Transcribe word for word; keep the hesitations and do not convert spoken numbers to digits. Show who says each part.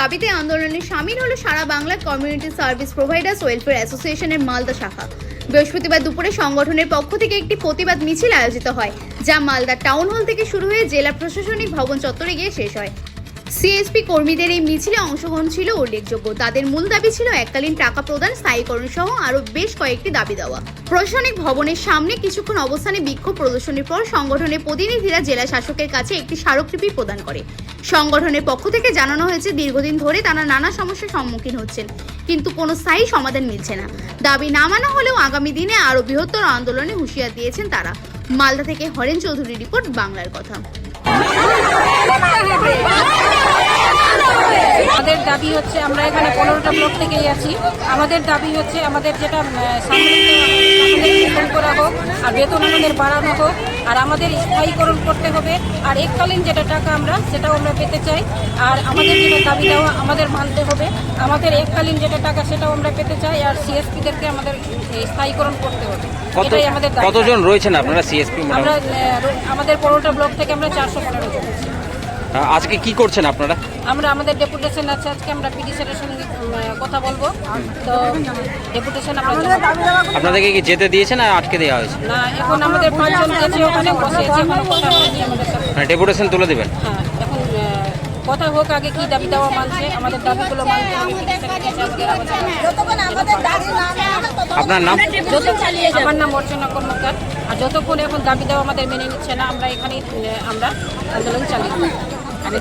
Speaker 1: দাবিতে আন্দোলনে সামিল হলো সারা Bangla community service providers welfare অ্যাসোসিয়েশনের মালদা শাখা। বৃহস্পতিবার দুপুরে সংগঠনের পক্ষ থেকে একটি প্রতিবাদ মিছিল আয়োজিত হয়, যা মালদা টাউন হল থেকে শুরু হয়ে জেলা প্রশাসনিক ভবন চত্বরে গিয়ে শেষ হয়। সিএসপি কর্মীদের এই মিছিলে অংশগ্রহণ ছিল উল্লেখযোগ্য। তাদের মূল দাবি ছিল এককালীন টাকা প্রদান, স্থায়ীকরণ সহ আরও বেশ কয়েকটি দাবি দেওয়া। প্রশাসনিক ভবনের সামনে কিছুক্ষণ অবস্থানে বিক্ষোভ প্রদর্শনের পর সংগঠনের প্রতিনিধিরা জেলা শাসকের কাছে একটি স্মারকলিপি প্রদান করে। সংগঠনের পক্ষ থেকে জানানো হয়েছে, দীর্ঘদিন ধরে তারা নানা সমস্যার সম্মুখীন হচ্ছেন, কিন্তু কোনো স্থায়ী সমাধান মিলছে না। দাবি না মানা হলেও আগামী দিনে আরও বৃহত্তর আন্দোলনে হুঁশিয়ার দিয়েছেন তারা। মালদা থেকে হরেন চৌধুরী রিপোর্ট, বাংলার কথা।
Speaker 2: আমাদের দাবি হচ্ছে, আমরা এখানে পনেরোটা ব্লক থেকেই আছি। আমাদের দাবি হচ্ছে আমাদের যেটা সামনে করা হোক, আর বেতন আমাদের বাড়ানো হোক, আর আমাদের স্থায়ীকরণ করতে হবে, আর এককালীন যেটা টাকা আমরা সেটাও আমরা পেতে চাই। আর আমাদের যেটা দাবি দেওয়া আমাদের মানতে হবে, আমাদের এককালীন যেটা টাকা সেটাও আমরা পেতে চাই, আর সিএসপিদেরকে আমাদের স্থায়ীকরণ করতে হবে। এটাই আমাদের দাবি।
Speaker 3: কতজন রয়েছেন আপনারা সিএসপি?
Speaker 2: আমরা আমাদের পনেরোটা ব্লক থেকে আমরা চারশো পনেরো জন আছি।
Speaker 3: আজকে কি করছেন আপনারা?
Speaker 2: আমরা আমাদের ডেপুটেশন আছে, আজকে আমরা পিডি স্যারের সঙ্গে কথা বলবো। তো ডেপুটেশন আমরা
Speaker 3: আপনাদেরকে কি যেতে দিয়েছেন আর আটকে দেওয়া হয়েছে?
Speaker 2: না, এখন আমাদের পাঁচজন গেছে, ওখানে বসে আছে, এখন কথা হয়নি আমাদের সাথে।
Speaker 3: মানে ডেপুটেশন তুলে দেবেন?
Speaker 2: হ্যাঁ, এখন কথা হোক, আগে কি দাবি দেওয়া মানছে, আমাদের দাবিগুলো মানতে হবে।
Speaker 3: আপনার নাম?
Speaker 2: আমার নাম অর্চনা কর্মকার। আর যতক্ষণ এখন দাবি দেওয়া আমাদের মেনে নিচ্ছে না, আমরা এখানেই আমরা আন্দোলন চালিয়ে